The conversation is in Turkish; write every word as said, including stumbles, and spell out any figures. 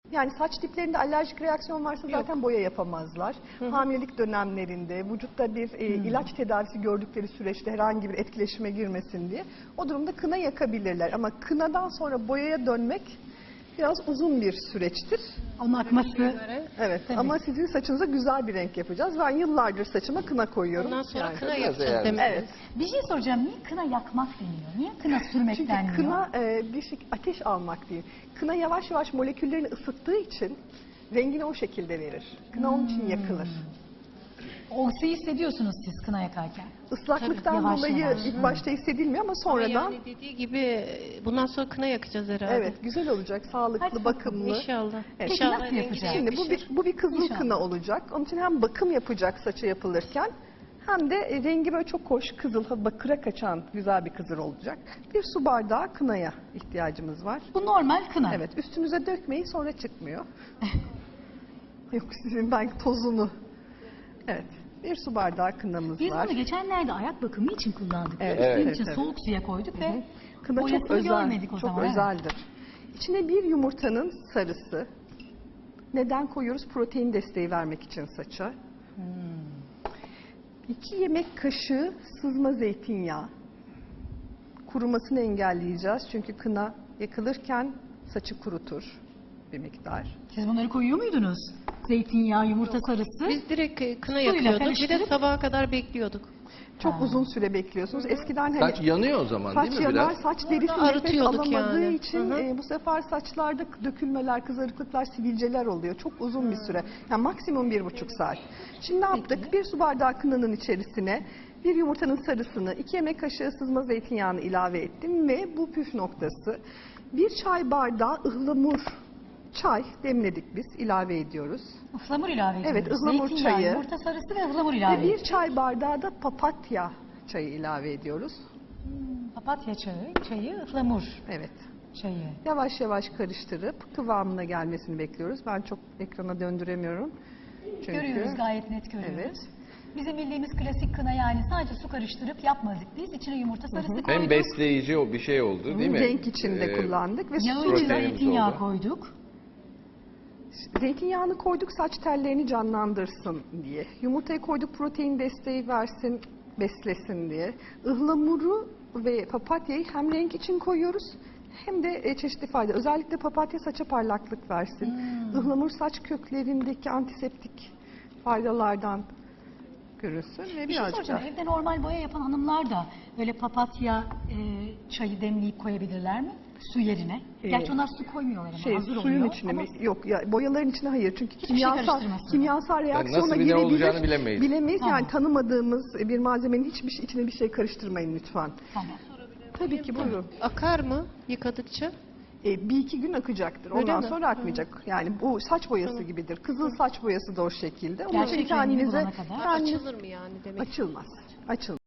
Yani saç diplerinde alerjik reaksiyon varsa zaten Yok. boya yapamazlar. Hı hı. Hamilelik dönemlerinde vücutta bir e, ilaç tedavisi gördükleri süreçte herhangi bir etkileşime girmesin diye o durumda kına yakabilirler. Ama kınadan sonra boyaya dönmek biraz uzun bir süreçtir. Onun akması. Evet tabii. Ama sizin saçınıza güzel bir renk yapacağız. Ben yıllardır saçıma kına koyuyorum. Ondan sonra yani. kına yapacağız demek. Evet. Bir şey soracağım. Niye kına yakmak deniyor? Niye kına sürmek Çünkü denmiyor? Çünkü kına e, bir şey, ateş almak değil. Kına yavaş yavaş moleküllerini ısıttığı için rengini o şekilde verir. Kına hmm. onun için yakılır. O ısıyı hissediyorsunuz siz kına yakarken. Islaklıktan Tabii, yavaş dolayı yavaş. ilk başta hissedilmiyor ama sonradan... Ama yani dediği gibi bundan sonra kına yakacağız herhalde. Evet, güzel olacak, sağlıklı, Hadi bakımlı. İnşallah. Evet. Peki İnşallah nasıl yapacağız? Şimdi bu bir, bu bir kızıl İnşallah. kına olacak. Onun için hem bakım yapacak saça yapılırken hem de e, rengi böyle çok hoş, kızıl, bakıra kaçan güzel bir kızıl olacak. Bir su bardağı kınaya ihtiyacımız var. Bu normal kına. Evet, üstünüze dökmeyin sonra çıkmıyor. Yok sizin ben tozunu. Evet. Bir su bardağı kınamız Biz var. bunu geçenlerde ayak bakımı için kullandık. Evet, Evet, evet, için evet. soğuk suya koyduk Hı-hı. ve Kına boyasını çok özel, görmedik o çok zaman. özeldir. Evet. İçine bir yumurtanın sarısı. Neden koyuyoruz? Protein desteği vermek için saça. Hmm. İki yemek kaşığı sızma zeytinyağı. Kurumasını engelleyeceğiz. Çünkü kına yakılırken saçı kurutur bir miktar. Siz bunları koyuyor muydunuz? Zeytinyağı, yumurta Yok. sarısı. Biz direkt kına Suyla yakıyorduk. Bir de karıştırıp... sabaha kadar bekliyorduk. Çok Ha. uzun süre bekliyorsunuz. Eskiden hani Saç yanıyor o zaman saç değil mi yanar, biraz? saç derisi nefes arıtıyorduk alamadığı yani. için Hı hı. e, bu sefer saçlarda dökülmeler, kızarıklıklar, sivilceler oluyor. Çok uzun bir süre. Yani maksimum bir buçuk saat. Şimdi ne yaptık? Peki. Bir su bardağı kınanın içerisine bir yumurtanın sarısını, iki yemek kaşığı sızma zeytinyağını ilave ettim ve bu püf noktası. Bir çay bardağı ıhlamur çay demledik biz, ilave ediyoruz. Ihlamur ilave ediyoruz. Evet, ıhlamur Zeytinyağı, çayı. yumurta sarısı ve ıhlamur ilave Ve ediyoruz. bir çay bardağı da papatya çayı ilave ediyoruz. Hmm, papatya çayı, çayı, ıhlamur Evet. çayı. Yavaş yavaş karıştırıp kıvamına gelmesini bekliyoruz. Ben çok ekrana döndüremiyorum. Çünkü... Görüyoruz, gayet net görüyoruz. Evet. Bizim bildiğimiz klasik kına yani sadece su karıştırıp yapmadık biz. İçine yumurta sarısı koyduk. Hem besleyici o bir şey oldu değil mi? Renk içinde Ee, kullandık ve Yağı su içine proteinimiz zeytinyağı oldu. koyduk. zeytinyağını koyduk saç tellerini canlandırsın diye. Yumurtayı koyduk protein desteği versin, beslesin diye. Ihlamuru ve papatyayı hem renk için koyuyoruz hem de çeşitli fayda. Özellikle papatya saça parlaklık versin. Hmm. Ihlamur saç köklerindeki antiseptik faydalardan görürsün. Ve Bir şey soracağım. Evde normal boya yapan hanımlar da böyle papatya e, çayı demleyip koyabilirler mi? Su yerine. Ee, Gerçi onlar su koymuyorlar ama şey, hazır suyun oluyor. içine Ama mi? Yok ya boyaların içine hayır. Çünkü Hiçbir şey kimyasal karıştırmasın. kimyasal reaksiyona nasıl bir ne girebilir. olacağını bilemeyiz. Bilemeyiz. Tamam. Yani tanımadığımız bir malzemenin hiçbir şey, içine bir şey karıştırmayın lütfen. Tamam. Tabii ki buyurun. Akar mı yıkadıkça? E, bir iki gün akacaktır. Öyle Ondan mi? sonra akmayacak. Yani bu saç boyası Tamam. gibidir. Kızıl saç boyası da o şekilde. Onun Gerçek için rengini kendinize bulana kadar. kendiniz Açılır mı yani demek? açılmaz. Açılmaz.